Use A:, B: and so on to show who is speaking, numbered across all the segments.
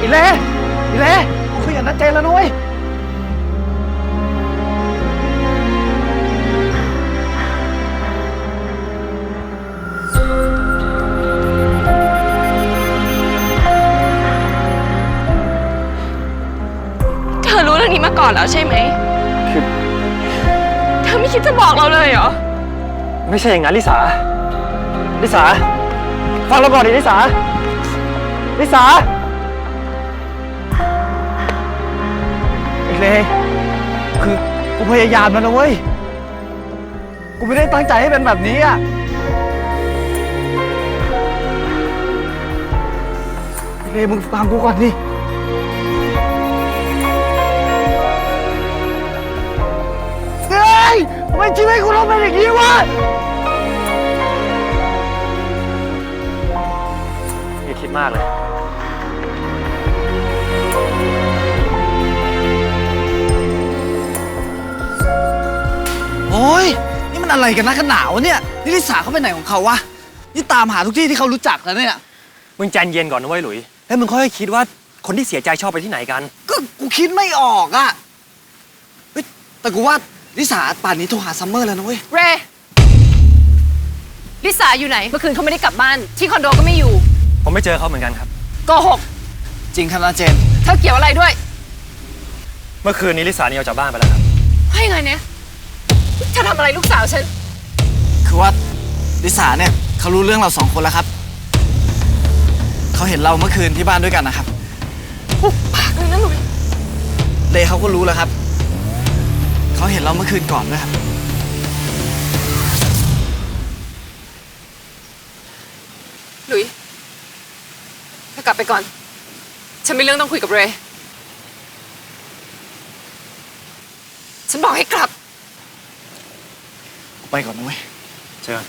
A: อีเล่กูคุยกับนัดเจนแล้วนุ้ย
B: เธอรู้เรื่องนี้มาก่อนแล้วใช่ไหม
A: คือ
B: เธอไม่คิดจะบอกเราเลยเหรอ
A: ไม่ใช่อย่างนั้นลิสาฟังเราก่อนดิลิสาอีเล่คือกูพยายามแล้วนะเว้ยกูไม่ได้ตั้งใจให้เป็นแบบนี้อ่ะอีเล่มึงฟังกูก่อนดิเฮ้ยทำไมชีวิตกูต้องเป็นอย่างนี้วะอย่าคิดมากเลยโอ้ยนี่มันอะไรกันนะกันหนาวเนี่ยนี่ลิสาเขาไปไหนของเขาวะนี่ตามหาทุกที่ที่เขารู้จักแล้วเนี่ย
C: มึงใจเย็นก่อนนะเว้ยหลุยแล้วมึงค่อยคิดว่าคนที่เสียใจชอบไปที่ไหนกัน
A: ก็กูคิดไม่ออกอะเฮ้ยแต่กูว่าลิสาป่านนี้โทรหาซัมเมอร์แล้วนะเว้ย
B: เรลิสาอยู่ไหนเมื่อคืนเขาไม่ได้กลับบ้านที่คอนโดก็ไม่อยู่
C: ผมไม่เจอเขาเหมือนกันครับ
B: โกหก
A: จริงครับนะเจน
B: เธอเกี่ยวอะไรด้วย
C: เมื่อคืนนี้ลิสาหนีออกจากบ้านไปแล้วครับ
B: ให้ไงเนี่ยเธอทำอะไรลูกสาวฉัน
A: คือว่าลิสาเนี่ยเขารู้เรื่องเรา2 คนแล้วครับเขาเห็นเราเมื่อคืนที่บ้านด้วยกันนะครับ
B: ปุ๊บปากเลยนะหลุย
A: เลเขาก็รู้แล้วครับเขาเห็นเราเมื่อคืนก่อนด้วยครับ
B: หลุยเธอกลับไปก่อนฉันมีเรื่องต้องคุยกับเรย์ฉันบอกให้กลับ
A: ไปก่อนนะเว้ย
C: เชิญ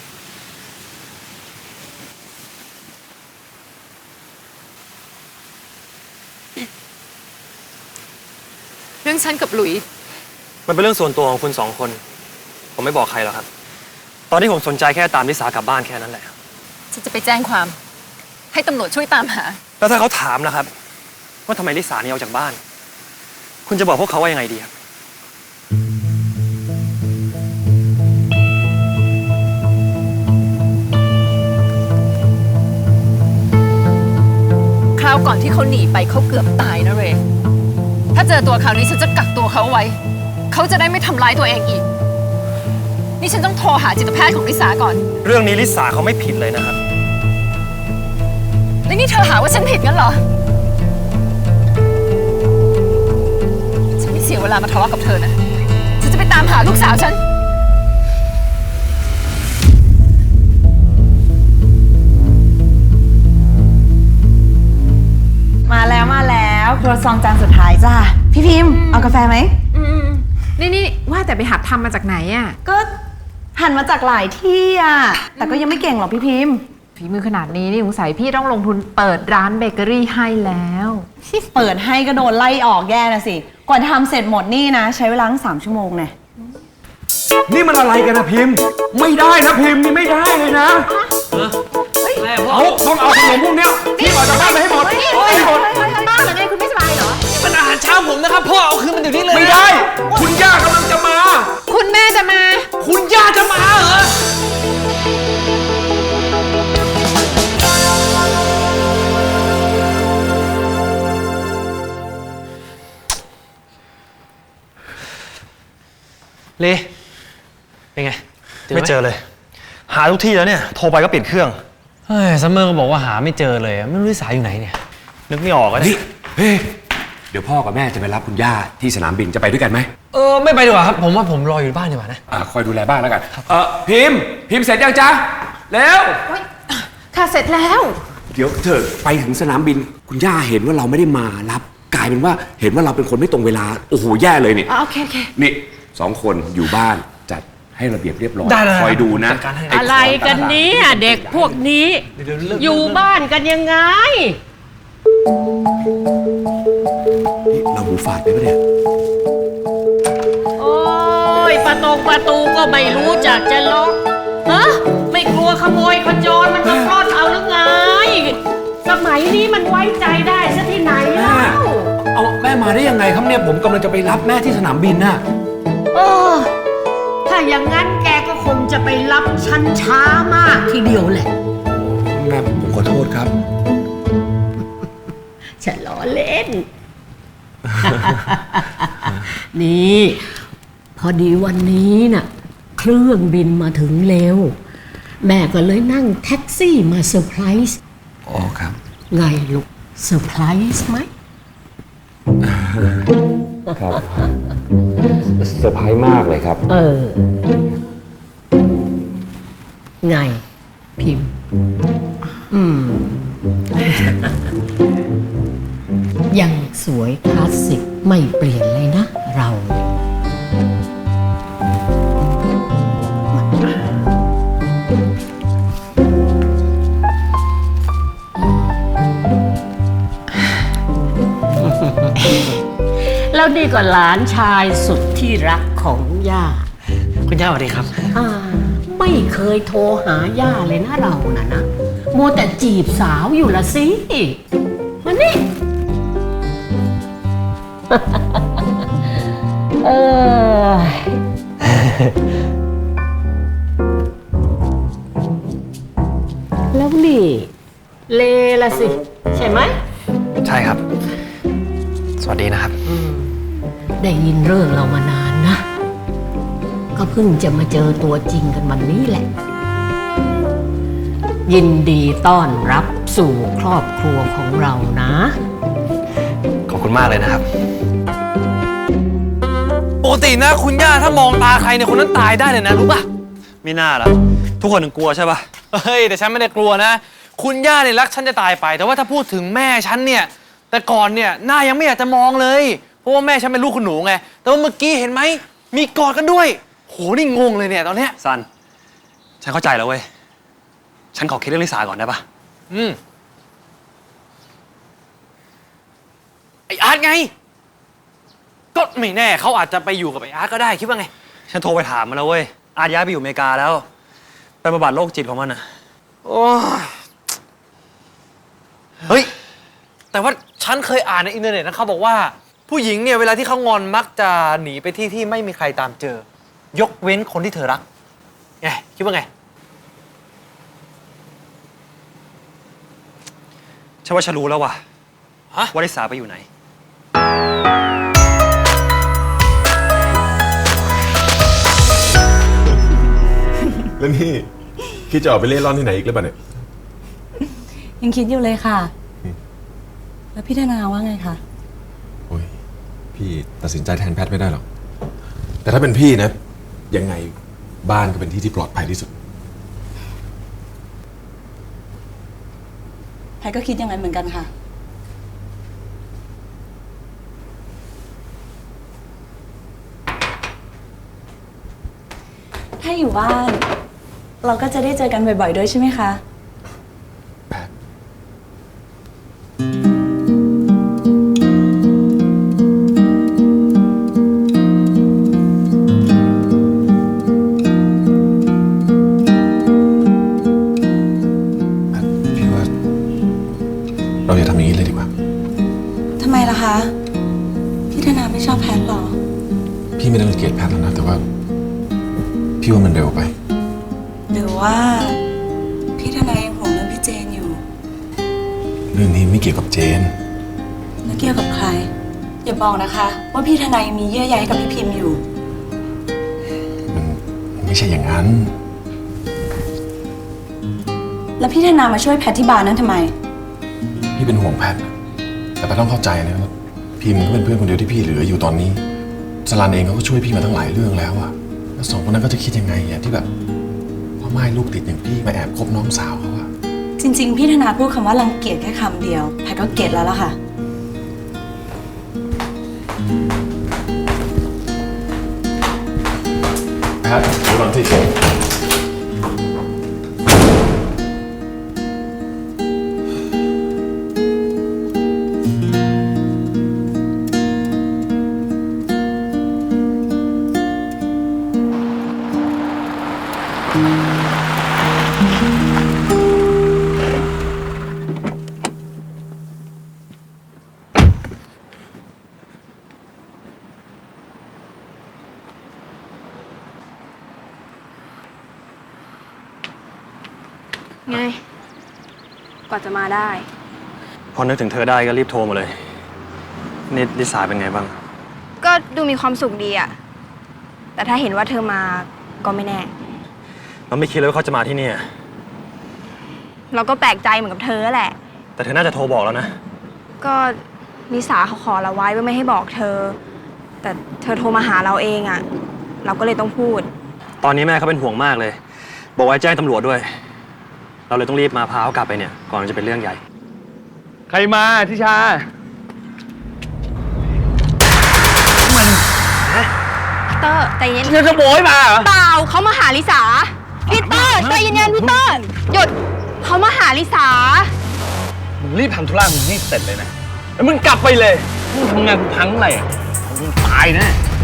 B: เรื่องฉันกับหลุย
C: มันเป็นเรื่องส่วนตัวของคุณ2 คนผมไม่บอกใครหรอกครับตอนนี้ผมสนใจแค่ตามลิสากลับบ้านแค่นั้นแหละ
B: ฉันจะไปแจ้งความให้ตำรวจช่วยตามหา
C: แล้วถ้าเขาถามนะครับว่าทำไมลิสาหนีออกจากบ้านคุณจะบอกพวกเขาว่ายังไงดีครับ
B: คราวก่อนที่เขาหนีไปเขาเกือบตายนะเรย์ถ้าเจอตัวเขานี้ฉันจะกักตัวเขาไว้เขาจะได้ไม่ทำร้ายตัวเองอีกนี่ฉันต้องโทรหาจิตแพทย์ของลิสาก่อน
C: เรื่องนี้ลิสาเขาไม่ผิดเลยนะครับ
B: แล้วนี่เธอหาว่าฉันผิดงั้นเหรอฉันไม่เสียเวลามาทะเลาะกับเธอนะฉันจะไปตามหาลูกสาวฉัน
D: มาแล้วครัวซองจานสุดท้ายจ้าพี่พิมพ์เอากาแฟไหม
E: นี่ว่าแต่ไปหัดทำมาจากไหนอ่ะ
D: ก็หันมาจากหลายที่อ่ะแต่ก็ยังไม่เก่งหรอกพี่พิมพ์
E: ฝีมือขนาดนี้นี่สงสัยพี่ต้องลงทุนเปิดร้านเบเกอรี่ให้แล้ว
D: เปิดให้ก็โดนไล่ออกแย่นะสิก่อนทำเสร็จหมดนี่นะใช้เวลาตั้ง3 ชั่วโมงเนี่ย
F: นี่มันอะไรกันนะพิมพ์ไม่ได้นะพิมพ์นี่ไม่ได้เลยนะเอาต้องเอาขนมพวกเนี้ยพี่ออกจากบ้านไปให้หมด
E: บ้านเหรอไงคุณไม่สบายเหรอ
A: มันอาหารเช้าผมนะครับพ่อเอาคืนมันอยู่นี่เลย
F: ไม่ได้คุณย่ากำลังจะมา
E: คุณแม่จะมา
F: คุณย่าจะมาเหรอ
C: เลเป็นไงไม่เจอเลยหาทุกที่แล้วเนี่ยโทรไปก็ปิดเครื่อง
G: เฮ้ยซัมเมอร์ก็บอกว่าหาไม่เจอเลยไม่รู้ลิสาอยู่ไหนเนี่ย
C: นึกไม่ออกอะ
F: นี่เฮ้ยเดี๋ยวพ่อกับแม่จะไปรับคุณย่าที่สนามบินจะไปด้วยกันไหม
G: ไม่ไปดีกว่าครับผมว่าผมรออยู่บ้านดีกว่านะ
F: คอยดูแลบ้านแล้วกันพิมพ์เสร็จยังจ๊ะแล้ว
E: ค่ะเสร็จแล้ว
F: เดี๋ยวเธอไปถึงสนามบินคุณย่าเห็นว่าเราไม่ได้มารับกลายเป็นว่าเห็นว่าเราเป็นคนไม่ตรงเวลาโอ้โหแย่เลยนี่
E: โอเค
F: นี่2 คนอยู่บ้านจัดให้ระเบียบเรียบร้อยคอยดูนะ
H: อะไรกันนี้เด็กพวกนี้อยู่บ้านกันยังไง
F: เราหูฝาดไปปะเนี่ย
H: โอ้ยประตูก็ไม่รู้จักจะล็อกฮะไม่กลัวขโมยขโจรมันมาปล้นเอาหรือไงสมัยนี้มันไว้ใจได้ซะที่ไหนล่ะ
F: มาได้ยังไงครับเนี่ยผมกำลังจะไปรับแม่ที่สนามบินน่ะ
H: เออ ถ้าอย่างนั้นแกก็คงจะไปรับฉันช้ามากทีเดียวแหละ
F: แม่ผมขอโทษครับ
H: ฉันล้อเล่น นี่ พอดีวันนี้น่ะ เครื่องบินมาถึงเร็ว แม่ก็เลยนั่งแท็กซี่มาเซอร์ไพรส์
F: อ๋อครับ
H: ไงลูกเซอร์ไพรส์ไหม
F: ครับเซอร์ไพรส์มากเลยครับ
H: ไง พิมพ์ ยังสวยคลาสสิกไม่เปลี่ยนเลยนะ เราเนี่ยแล้วนี่ก็หลานชายสุดที่รักของย่า
C: คุณย่าสวัสดีครับ
H: ไม่เคยโทรหาย่าเลยนะเรานะมัวแต่จีบสาวอยู่ละสิมานี่ แล้วนี่ เลละสิ ใช่ไหม
C: ใช่ครับ สวัสดีนะครับ
H: ได้ยินเรื่องเรามานานนะ ก็เพิ่งจะมาเจอตัวจริงกันวันนี้แหละ ยินดีต้อนรับสู่ครอบครัวของเรานะ
C: ขอบคุณมากเลยนะครับ ปกตินะคุณย่าถ้ามองตาใครเนี่ยคนนั้นตายได้เลยนะรู้ป่ะไม่น่าละทุกคนถึงกลัวใช่ป่ะเฮ้ยแต่ฉันไม่ได้กลัวนะ คุณย่าเนี่ยรักฉันจะตายไป แต่ว่าถ้าพูดถึงแม่ฉันเนี่ยแต่ก่อนเนี่ยหน้ายังไม่อยากจะมองเลยเพราะว่าแม่ฉันเป็นลูกคุณหนูไงแต่ว่าเมื่อกี้เห็นไหมมีกอดกันด้วยโหนี่งงเลยเนี่ยตอนเนี้ยซันฉันเข้าใจแล้วเว้ยฉันขอคิดเรื่องลิสาก่อนได้ป่ะไออาร์ตไงก็ไม่แน่เขาอาจจะไปอยู่กับไออาร์ตก็ได้คิดว่าไงฉันโทรไปถามมาแล้วเว้ยอาร์ตย้ายไปอยู่อเมริกาแล้วไปบำบัดโรคจิตของมันอ่ะโอ้ยเฮ้ยแต่ว่าฉันเคยอ่านในอินเทอร์เน็ตนะเขาบอกว่าผู้หญิงเนี่ยเวลาที่เขางอนมักจะหนีไปที่ไม่มีใครตามเจอยกเว้นคนที่เธอรักไงคิดว่าไงฉันว่าฉันรู้แล้วว่ะว่าลิสาไปอยู่ไหน
I: แล้วนี่คิดจะออกไปเล่ร่อนที่ไหนอีกหรือเปล่าเนี่ย
D: ยังคิดอยู่เลยค่ะ แล้วพี่ธนาว่าไงคะ
I: โอ้ยพี่ตัดสินใจแทนแพทย์ไม่ได้หรอก แต่ถ้าเป็นพี่นะ ยังไงบ้านก็เป็นที่ที่ปลอดภัยที่สุด
D: แพทก็คิดอย่างนั้นเหมือนกันค่ะ ถ้าอยู่บ้าน เราก็จะได้เจอกันบ่อยๆด้วยใช่ไหมคะ
I: แพทย์พี่ว่าเราอย่าทำอย่างนี้เลยดีกว่า
D: ทำไมล่ะคะ พี่ธนาไม่ชอบแพทหรอ
I: พี่ไม่ได้รังเกียจแพทย์แล้วนะ แต่ว่าพี่ว่ามันเร็วไป
D: หรือว่าพี่ธนายังห่วงเรื่องพี่เจนอยู่
I: เรื่องนี้ไม่เกี่ยวกับเจน
D: แล้วเกี่ยวกับใคร อย่าบอกนะคะ ว่าพี่ธนายังมีเยื่อใยกับพี่พิมพ์อยู่
I: มันไม่ใช่อย่างนั้น
D: แล้วพี่ธนามาช่วยแพทที่บาร์นั้นทำไม
I: พี่เป็นห่วงแพทย์นะแต่แพทย์ต้องเข้าใจนะว่าพิมพ์ก็เป็นเพื่อนคนเดียวที่พี่เหลืออยู่ตอนนี้สลันเองเขาก็ช่วยพี่มาตั้งหลายเรื่องแล้วอะแล้วสองคนนั้นก็จะคิดยังไงอะที่แบบพ่อไม้ลูกติดอย่างพี่มาแอบคบน้องสาวเขาอะ
D: จริงๆ พี่ธนาพูดคำว่ารังเกียจแค่คำเดียวแพทก็เก็ตแล้วล่ะค่ะ
I: แพทย์ระวังที่
J: ไง กว่าจะมาได้
C: พอนึกถึงเธอได้ก็รีบโทรมาเลย นี่ลิสาเป็นไงบ้าง
J: ก็ดูมีความสุขดีอะแต่ถ้าเห็นว่าเธอมาก็ไม่แน่
C: เราไม่คิดเลยว่าเขาจะมาที่นี่
J: เราก็แปลกใจเหมือนกับเธอแหละ
C: แต่เธอน่าจะโทรบอกแล้วนะ
J: ก็นิสาเขาขอเราไว้ว่าไม่ให้บอกเธอ แต่เธอโทรมาหาเราเองอะเราก็เลยต้องพูด
C: ตอนนี้แม่เขาเป็นห่วงมากเลย บอกว่าให้แจ้งตำรวจด้วย เราเลยต้องรีบมาพาเขากลับไปเนี่ย ก่อนจะเป็นเรื่องใหญ่
F: ใครมาทิชา
J: เตอร์ใจเย็น
F: เธอขโมยมาเหรอ
J: เปล่าเขามาหาลิสาพี่เตอร์ใจเย็นๆพี่เตอร์หยุดเขามาหาลิสา
F: มึงรีบทำธุระมึงนี่เสร็จเลยนะ แล้วมึงกลับไปเลยมึงทำงานกูพังอะไรอ่ะมึงตายแน่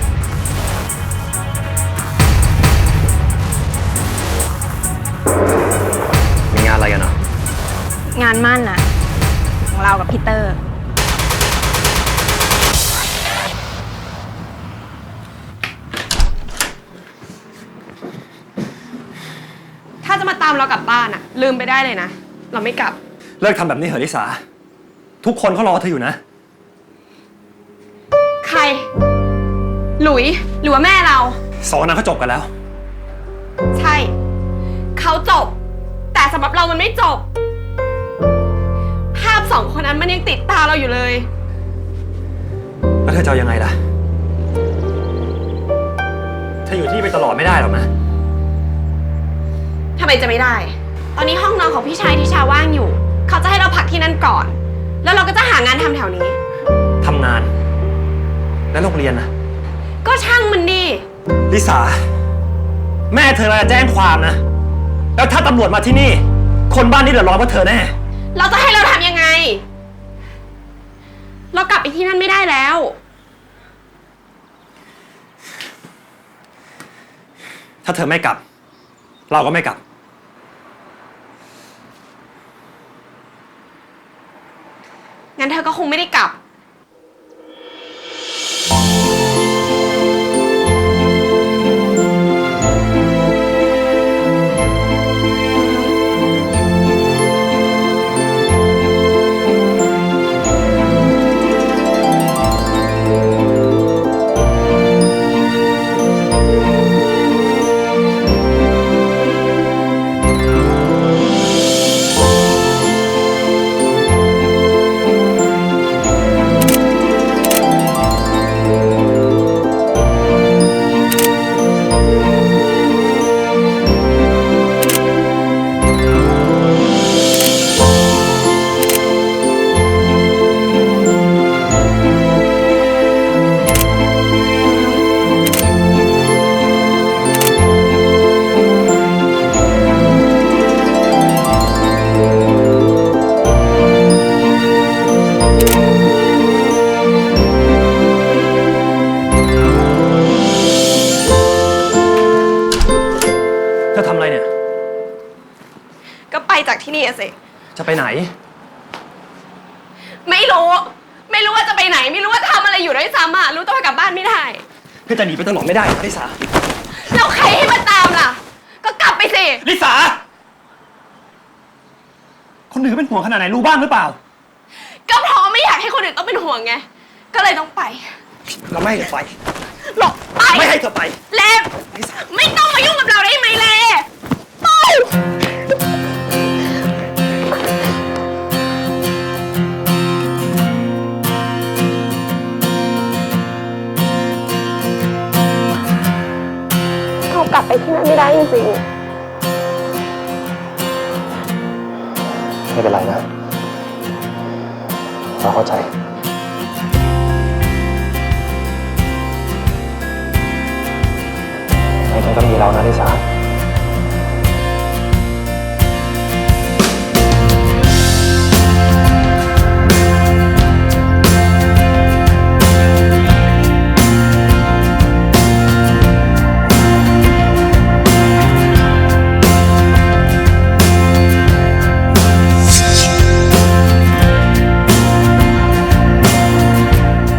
C: มีงานอะไรกันเนาะ
J: งานมั่นน่ะของเรากับพี่เตอร์
K: ถ้าจะมาตามเรากลับบ้านอะลืมไปได้เลยนะ เราไม่กลับ
C: เลิกทำแบบนี้เถอะลิสา ทุกคนเขารอเธออยู่นะ
K: ใคร หลุยหรือว่าแม่เรา
C: สองคนนั้นเขาจบกันแล้ว
K: ใช่ เขาจบ แต่สำหรับเรามันไม่จบ ภาพสองคนนั้นมันยังติดตาเราอยู่เลย
C: แล้วเธอจะเอายังไงล่ะ เธออยู่ที่นี่ไปตลอดไม่ได้หรอกนะ
K: ทำไมจะไม่ได้ ตอนนี้ห้องนอนของพี่ชายทิชาว่างอยู่ เขาจะให้เราพักที่นั่นก่อน แล้วเราก็จะหางานทำแถวนี้
C: ทำงาน แล้วโรงเรียนน่ะ
K: ก็ช่างมันดิ
C: ลิสา แม่เธอจะแจ้งความนะ แล้วถ้าตำรวจมาที่นี่ คนบ้านนี้เดือดร้อนเพราะเธอแน่
K: เราจะให้เราทำยังไง เรากลับไปที่นั่นไม่ได้แล้ว
C: ถ้าเธอไม่กลับ เราก็ไม่กลับ
K: งั้นเธอก็คงไม่ได้กลับ
C: เธอทำอะไรเนี่ย
K: ก็ไปจากที่นี่อะสิ
C: จะไปไหน
K: ไม่รู้ ไม่รู้ว่าจะไปไหน ไม่รู้ว่าทำอะไรอยู่ด้วยซ้ำอะรู้ตัวกลับบ้านไม่ได้
C: เธอจะหนีไปตลอดไม่ได้ลิสา
K: แล้วใครให้มาตามล่ะ ก็กลับไปสิ
C: ลิสา คนอื่นเขาเป็นห่วงขนาดไหนรู้บ้างหรือเปล่า
K: ก็เพราะไม่อยากให้คนอื่นต้องเป็นห่วงไง ก็เลยต้องไป
C: เราไม่ให้เธอไป
K: หลบไป
C: ไม่ให้เธอไป
K: เลมไม่ต้องมายุ่งกับเราได้ไหมเลไปเรากลับไปที่นั่นไม่ได้จริง
C: ไม่เป็นไรนะ เราเข้าใจ ไม่ต้องมีเรานะลิสา